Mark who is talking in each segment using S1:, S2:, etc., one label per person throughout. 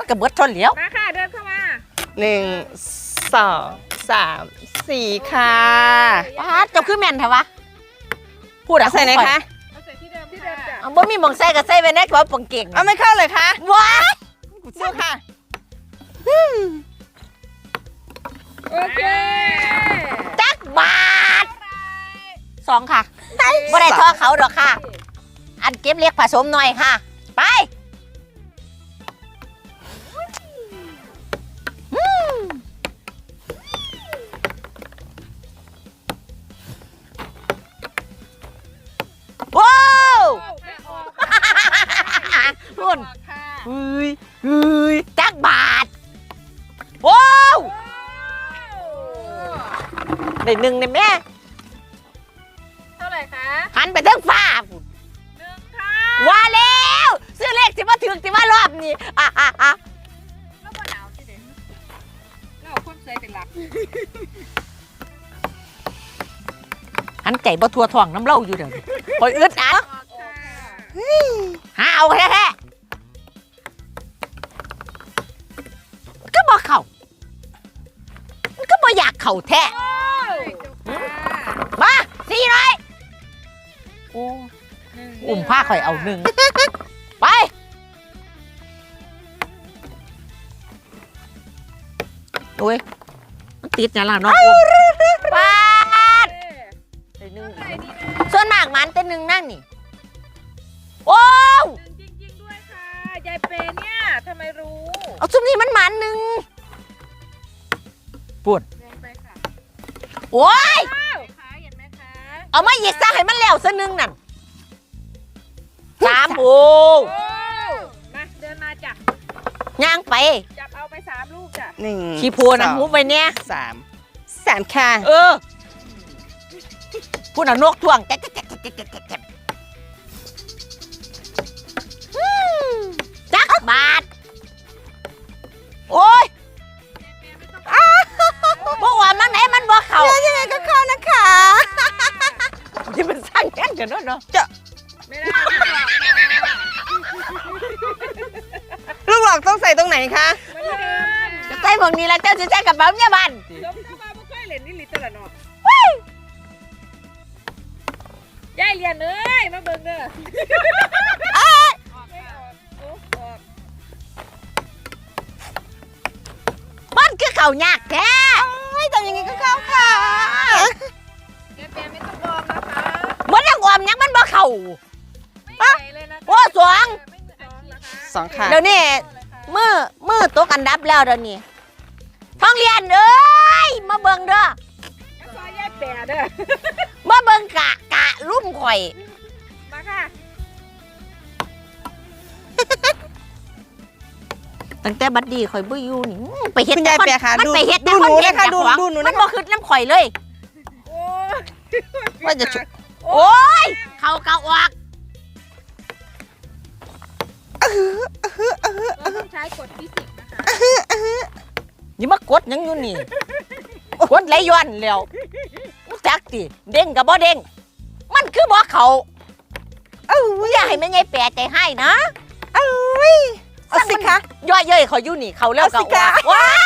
S1: กับเบิดทนเหลียว
S2: มาค่ะเดินเข้ามา
S3: 1 2 3 4ค่ะ
S1: ป้าจะคือแม่นเถอะวะพูดอะ
S3: ใส่ไหนคะ
S2: เอาใส่ที่เดิมจ้ะ
S1: เอาบ่มีหม่องใส่ก็ใส่ไว้ในกระเป๋าปังเก่ง
S3: เอาไม่เข้าเลยคะ
S1: ว้า
S3: ดูค่ะ
S2: โอเค
S1: จักบาท2ค่ะบ่ได้ทอเขาดอกค่ะ อันเก็บเล็กผสมหน่อยค่ะไปว้าวพุ่นเฮ้ยจักบาทว้าวได้หนึ่งในแม่
S2: เท่าไหร่คะ
S1: หันไปทางฟ้าพุ่น
S2: 1ค่ะ
S1: ว่าแล้วซื้อเลขสิมาถึงสิมารอบนี้
S2: ก็บ่หนาวสิเด็กเราคนสวยเป็นหลัก
S1: หันใจบ่ทัวท้องน้ำเล่าอยู่เดี๋ยวนี้คอยอึดอัด
S2: ออกค่ะ
S1: หาเอาแท้ๆก็บ่เข่ามันก็บ่อยากเข่าแท้
S2: โอ้ยจบค่ะ
S1: มา400โอ้
S2: 1
S1: อุ้มผ้าข่อยเอาหนึ่งไปโอ้ยมันติดเนี่ยล่ะน้องอุ้มปาดได้หนึ่ง
S2: ใส่นี่นะ
S1: ส่วนมากมันแต่หนึ่งนั่งนี่โอ้ว
S2: จริงๆด้วยค่ะยายเปเนี่ยทำไมรู้
S1: เอาซุมนี้มันหมันหนึ่งปวด
S2: แรงไปค่ะ
S1: โอ้ย
S2: ว้าวขาเห็นไหมคะ
S1: เอามาอีกซะให้มันแล้วซะหนึ่งนั่น3โอ้
S2: โอ้มาเดินมาจ้ะ
S1: ย่างไป
S2: จับเอาไป3ลูกจ้ะ
S3: 1
S1: ขี้โพนะหูไปเนี่ย
S3: 3ค่ะ
S1: เออพูดเอานกท่วงแจ๊กจักบาทโอ้ยบ่ว่ามันไหนมันบ่เข้า
S3: ยังไงก็เข้านะคะ
S1: ที่มันสร้างแย่งกันเนาะ
S2: ไม่ได้ค่ะ
S3: ลูกหลอกต้องใส่ตรงไหนคะ
S2: ไม่ได้
S1: จะใส่พวกนี้แล้วเจ้าจะใส่กระเป๋าเนี่ยบ้าน
S2: ยกเข้ามาบ่เคยเล่นนี่ลิตรละเนาะยายเรียนเอ้ยมาเบิ่งเด้อออกไม่ออกโอ้ออก
S1: มันคือเข่ายากแท้
S3: ทำยังไงก็เข้าค่ะ
S2: ยายเปไม่ต้องออมนะคะ
S1: มันยังออมยังมันบ่เข่า
S2: ไม่ใหญ่เลยนะคะ
S1: โอ้สวง
S2: ไม่เหมือนอันนี้นะคะ
S3: 2 ค่ะ
S1: เดี๋ยวนี้มือตกอันดับแล้วเดี๋ยวนี้ท้องเรียนเอ้ยมาเบิ่งเด้อ
S2: มาซอยยายแปะเด้อ
S1: มาเบิ่งกะรุ่มข่อย
S2: มาค่ะ
S1: ตั้งแต่บัดดีข่อยบ่อยู่นี่ไปเฮ็ด
S3: คุณยายเปียค่ะ
S1: มัน
S3: ดู
S1: ไปเฮ็ด
S3: ดูหนูนะคะ
S1: แต่
S3: ดู
S1: คอเท
S3: ดู
S1: นต์
S3: หนู
S1: มั
S3: นะ
S1: น
S3: คะ
S1: บ่คือน้ำข่อยเลย
S2: โอ้
S3: ว่าจะชุ
S1: โอ้ยเขาเกาออก
S2: เราต้องใช้กฎฟิสิกส์นะคะ
S1: อย่ามากดหยังอยู่นี่กดไหลย้อนแล้วรู้จักติเด้งกับบ่เด้งมันคือบ่เขาอย่าให้แม่ใหญ่แปรใจให้นะ
S3: เอาสิคะ
S1: ย่อยเย้ยเขาอยู่นี่เขาแล้วก็
S3: เอาสิ
S1: อ
S3: คะ
S1: อกว้าย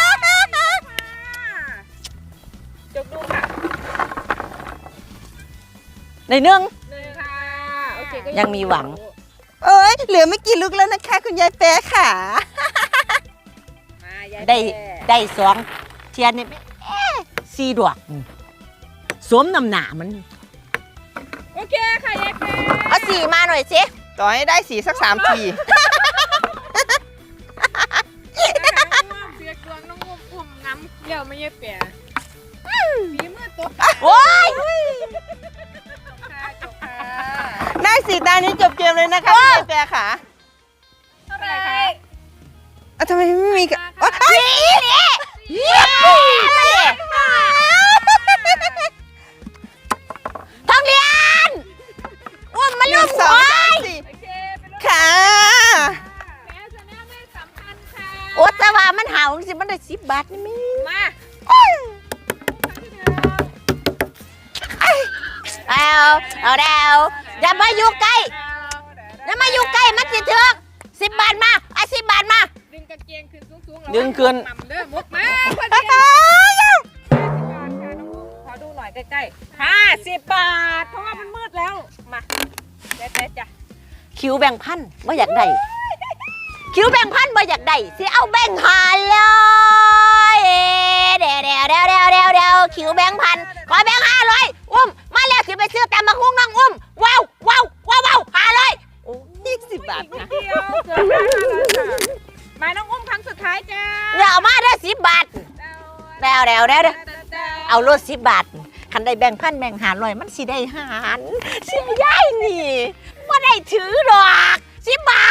S2: จบดูค่ะ
S1: ในหนึ่ง
S2: 1ค่ะโอเคก็
S1: ยังมีหวัง
S3: เอ้ยเหลือไม่กี่ลูกแล้วนะคะ คุณยายแป๊ะค่ะ
S2: มายาย
S1: ได้
S2: แปะ
S1: ได้2เทียนนี่4ดอกสวมน้ำหนามัน
S2: โอเคค่ะยายแปะ
S1: เอา4มาหน่อยสิ
S3: ต่อให้ได้สีสัก3 ที
S2: เสือกดวงน้องงุ่มอุ่มน้ำเดี๋ยวไม่ยายแปะฝีมือตก
S1: โอ้ย
S2: ค่ะจบค่ะ
S3: ได้สีตานี้จบเกมเลยนะคะคุณยายแป๊ะค่ะ
S2: เท่าไหร่คะ
S3: ทำไมไม่มีกัน
S1: สีนี่เยี่ยมท้องเรียนอุ้มมันลูก
S3: ส
S1: หั
S3: อง
S1: ว
S3: สามสี่
S2: โอเคเป็นรถ
S3: ค่ะ
S2: แม่ชาแนลไม่สำคัญค่ะ
S1: โอ้แต่ว่ามันหาวสิมันได้10 บาทนี่มั้ย
S2: มาที่เดิม
S1: เอาดาวอย่ามาอยู่ใกล้อย่ามาอยู่ใกล้มันสิถึก10 บาทมา10 บาทมา
S2: ดึงกางเกงขึ้นสูงๆ
S1: ดึงขึ้น
S2: หม่ำเด้อมุกมาพอดีขอดูหน่อยใกล้ๆ50 บาท เพราะว่ามันมืดแล้ว มาเจ๊จ้ะ
S1: คิวแบ่งพันบ่อยากได้คิวแบ่งพันบ่อยากได้สิเอาแบ่งหาเลยเดี๋ยวคิวแบ่งพันขอแบ่ง500อุ้มมาแล้วสิไปซื้อตำบักหุ่งน้องอุ้มว้าว500โอ้อีก10 บาทนะ
S2: เดียวเกือบได้แล้วค่ะมาน้องอุ้มครั้งสุดท้ายจ้า
S1: อย่าเอามาเด้อ10 บาทเดี๋ยวเอารถ10 บาทคันได้แบ่งพันแบ่ง500มันสิได้หารเสียยายนี่บ่ได้ถือดอก10 บา